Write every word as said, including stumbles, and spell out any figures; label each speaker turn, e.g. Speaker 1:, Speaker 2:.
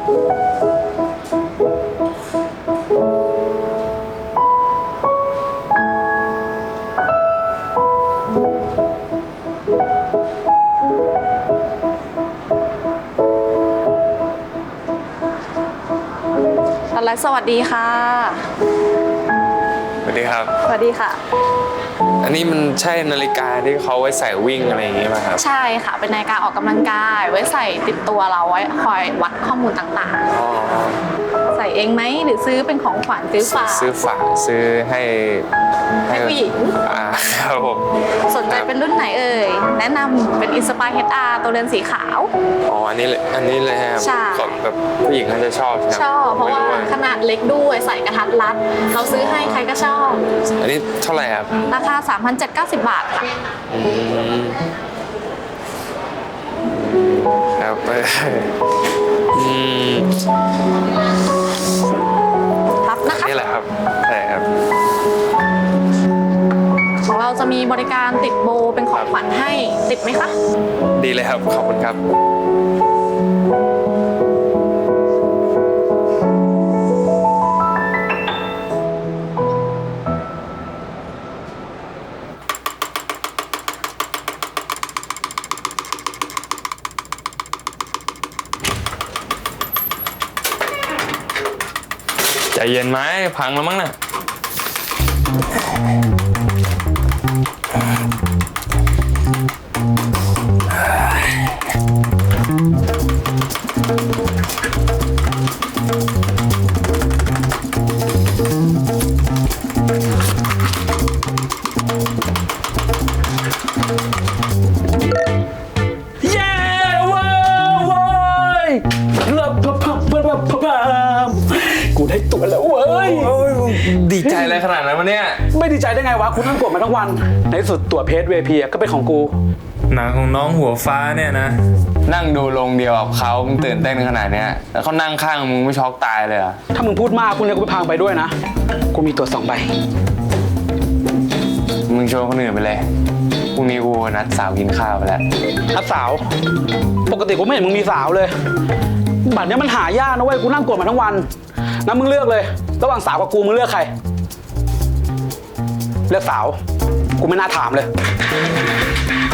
Speaker 1: อะไรสวัสดีค่ะ
Speaker 2: สวัสดีครับ
Speaker 1: สวัสดีค่ะ
Speaker 2: อันนี้มันใช่นาฬิกาที่เขาไว้ใส่วิ่งอะไรอย่างงี้ป่ะครับ
Speaker 1: ใช่ค่ะเป็นนาฬิกาออกกำลังกายไว้ใส่ติดตัวเราไว้คอยวัดข้อมูลต่างๆ
Speaker 2: อ๋อ
Speaker 1: ใส่เองไหมหรือซื้อเป็นของขวัญซื้อฝาก
Speaker 2: ซื้อฝากซื้อให้
Speaker 1: ให้ผู้หญิง
Speaker 2: อ่าครับผม
Speaker 1: สนใจเป็นรุ่นไหนเอ่ยแนะนำเป็น Inspire เอช อาร์ ตัวเรือนสีขาว
Speaker 2: อ๋ออันนี้เลยอันนี้เลยครับ
Speaker 1: ใช่
Speaker 2: แบบผู้หญิงเขาจะชอบ
Speaker 1: ชอบเพราะว่าขนาดเล็กด้วยใส่กระทัดรัดเราซื้อให้ใครก็ชอบ
Speaker 2: อันนี้เท่าไหร่ครับ
Speaker 1: ราคา สามพันเจ็ดร้อยเก้าสิบ บาทค่ะ
Speaker 2: ครับอืม
Speaker 1: รับนะคะ
Speaker 2: นี่แหละครับใช่ครับ
Speaker 1: ของเราจะมีบริการติดโบเป็นของขวัญให้ติดไหมคะ
Speaker 2: ดีเลยครับขอบคุณครับใจเย็นไหมพังแล้วมั้งน่ะ
Speaker 3: เย้ว้าวว้ายเลิศพับพับพับพับพับกูได้ตัวแล้วเว้ย
Speaker 2: ดีใจอะไรขนาดนั้นวะเนี่ย
Speaker 3: ไม่ดีใจได้ไงวะคุณนั่งกดมาทั้งวันในที่สุดตัวเพจ วี ไอ พี ก็เป็นของกู
Speaker 4: หนังของน้องหัวฟ้าเนี่ยนะ
Speaker 2: นั่งดูลงเดียวกับเขามึงตื่นเต้นขนาดเนี้ยแล้วเขานั่งข้างมึงไม่ช็อกตายเลยเหรอ
Speaker 3: ถ้ามึงพูดมากคุณเนี่ยกูไปพังไปด้วยนะกูมีตัวสองใบ
Speaker 2: มึงชวนคนอื่นไปเลยพรุ่งนี้กูนัดสาวกินข้าวไปแล้ว
Speaker 3: นัดสาวปกติกูไม่เห็นมึงมีสาวเลยบัตรเนี้ยมันหายากนะเว้ยกูนั่งกดมาทั้งวันงั้นมึงเลือกเลยระหว่างสาวกับกูมึงเลือกใครเลือกสาวกูไม่น่าถามเลย